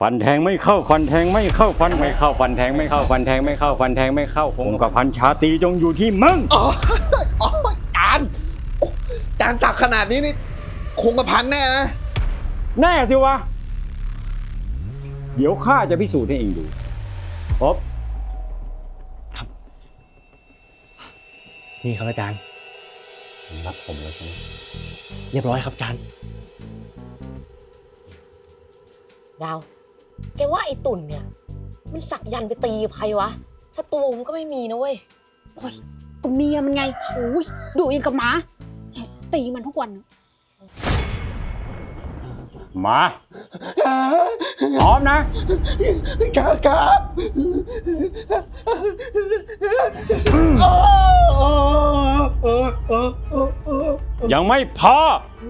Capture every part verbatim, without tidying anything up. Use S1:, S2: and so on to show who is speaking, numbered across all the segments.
S1: ฟันแทงไม่เข้าฟันแทงไม่เข้าฟันไม่เข้าฟันแทงไม่เข้าฟันแทงไม่เข้าฟันแทงไม่เข้าคงกับพันชาตรีจงอยู่ที่มึง
S2: อ๋ออ๋อจานจานสักขนาดนี้นี่คงกระพันแน่นะ
S1: แน่สิวะเดี๋ยวข้าจะพิสูจน์ให้เองดูพบ
S3: ครับนี่ครับอาจารย์
S1: รับผมแล้วใช่ไหม
S3: เรียบร้อยครับอาจารย์
S4: ดาวแกว่าไอ้ตุ่นเนี่ยมันสักยันไปตีใครวะศัตรูมันก็ไม่มีนะเว้ย
S5: โอ้ยก็เมียมันไงโอ้ยดุอย่างกับหมาตีมันทุกวัน
S1: มาพร้อม
S2: นะครับครับ
S1: ยังไม่พอ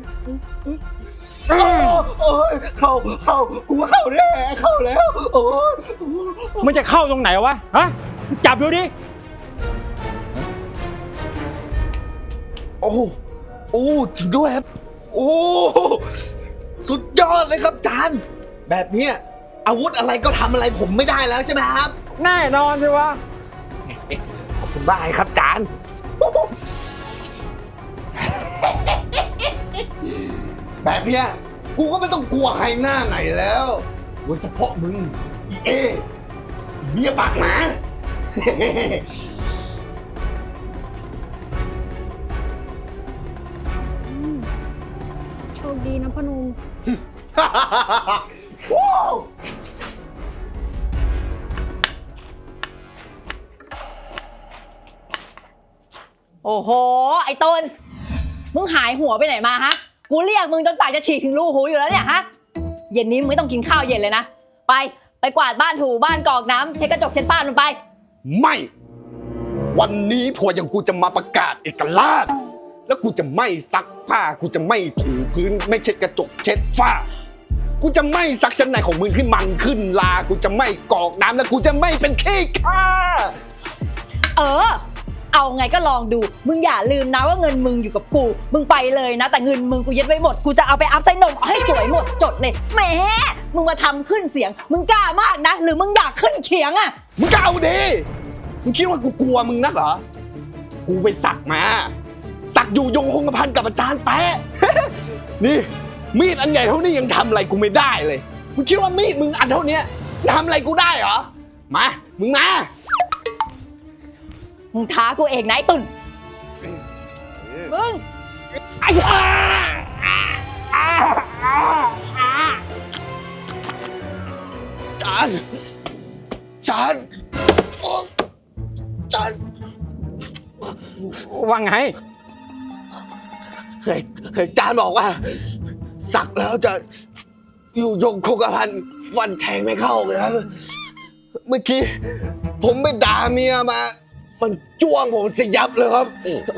S2: โอ้ยเข้าเข้ากูเข้าแน่เข้าแล้วโอ้ย
S1: มันจะเข้าตรงไหนวะฮะจับดูดิ
S2: โอ้โอ้จริงด้วยครับโอ้สุดยอดเลยครับจานแบบนี้อาวุธอะไรก็ทำอะไรผมไม่ได้แล้วใช่ไหมครับ
S1: แน่นอนสิวะ
S2: ขอบคุณมากครับจานแบบนี้กูก็ไม่ต้องกลัวใครหน้าไหนแล้วโดยเฉพาะมึงอีเอเมียปากหมา
S5: โชคดีนะพนุง
S4: โอ้โหไอ้ต้นมึงหายหัวไปไหนมาฮะกูเรียกมึงจนปากจะฉีกถึงรูหูอยู่แล้วเนี่ยฮะเย็นนี้มึงไม่ต้องกินข้าวเย็นเลยนะไปไปกวาดบ้านถูบ้านกรอกน้ำเช็ดกระจกเช็ดฝ้าลงไป
S2: ไม่วันนี้พออย่างกูจะมาประกาศเอกราชแล้วกูจะไม่ซักผ้ากูจะไม่ถูพื้นไม่เช็ดกระจกเช็ดฝ้ากูจะไม่ซักชั้นในของมึงที่มันขึ้นลากูจะไม่กรอกน้ำและกูจะไม่เป็นขี้ข้า
S4: เออเอาไงก็ลองดูมึงอย่าลืมนะว่าเงินมึงอยู่กับกูมึงไปเลยนะแต่เงินมึงกูยึดไว้หมดกูจะเอาไปอัพไซนมเอาให้สวยหมดจดเลยแหมมึงมาทำขึ้นเสียงมึงกล้ามากนะหรือมึงอยากขึ้นเขียงอ่ะ
S2: มึงก็เอาดิมึงคิดว่ากูกลัวมึงนักเหรอกูไปสักมาสักอยู่ยงคงกระพันกับอาจารย์แป๊ะ นี่มีดอันใหญ่เท่านี้ยังทำอะไรกูไม่ได้เลยมึงคิดว่ามีดมึงอันเท่านี้ทำอะไรกูได้เหรอมามึงมา
S4: มึงท้ากูเองนะไอ้ตุ่นมึง
S2: ไอ้จานจานจาน
S1: ว่าไง
S2: เฮ้ยจานบอกว่าสักแล้วจะอยู่ยงคงกระพันฟันแทงไม่เข้าเลยครับเมื่อกี้ผมไปด่าเมียมามันจ้วงผมสิยับเลยครับ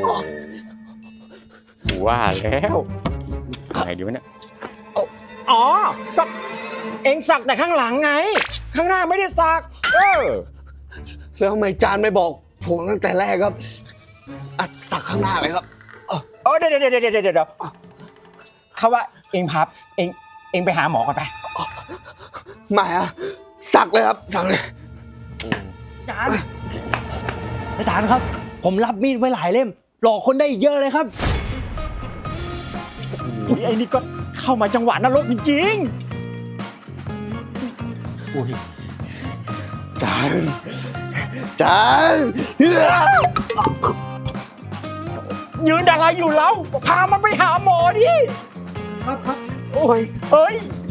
S1: ว่าแล้วอะไรดีวะเนี่ยอ๋อก็เอ็งสักแต่ข้างหลังไงข้างหน้าไม่ได้สักเออ
S2: แล้วทำไมจานไม่บอกผมตั้งแต่แรกครับอัดสักข้างหน้าเลยครับ
S1: เออเดี๋ยวเดี๋ยวเดี๋ยวเดี๋ยวเขาว่าเอ็งพับเอ็งเอ็งไปหาหมอก่อนไป
S2: ไม่อะสักเลยครับสักเลย
S3: อาจารย์อาจารย์ครับผมรับมีดไว้หลายเล่มหลอกคนได้อีกเยอะเลยครับ
S1: ไอ้นี่ก็เข้ามาจังหวะนรกจริง
S2: ๆอุ้ยจานจาน
S1: ยืนอะไรอยู่แล้วพามันไปหาหมอดิ
S3: ครับครับ
S1: โอ้ยเฮ้ย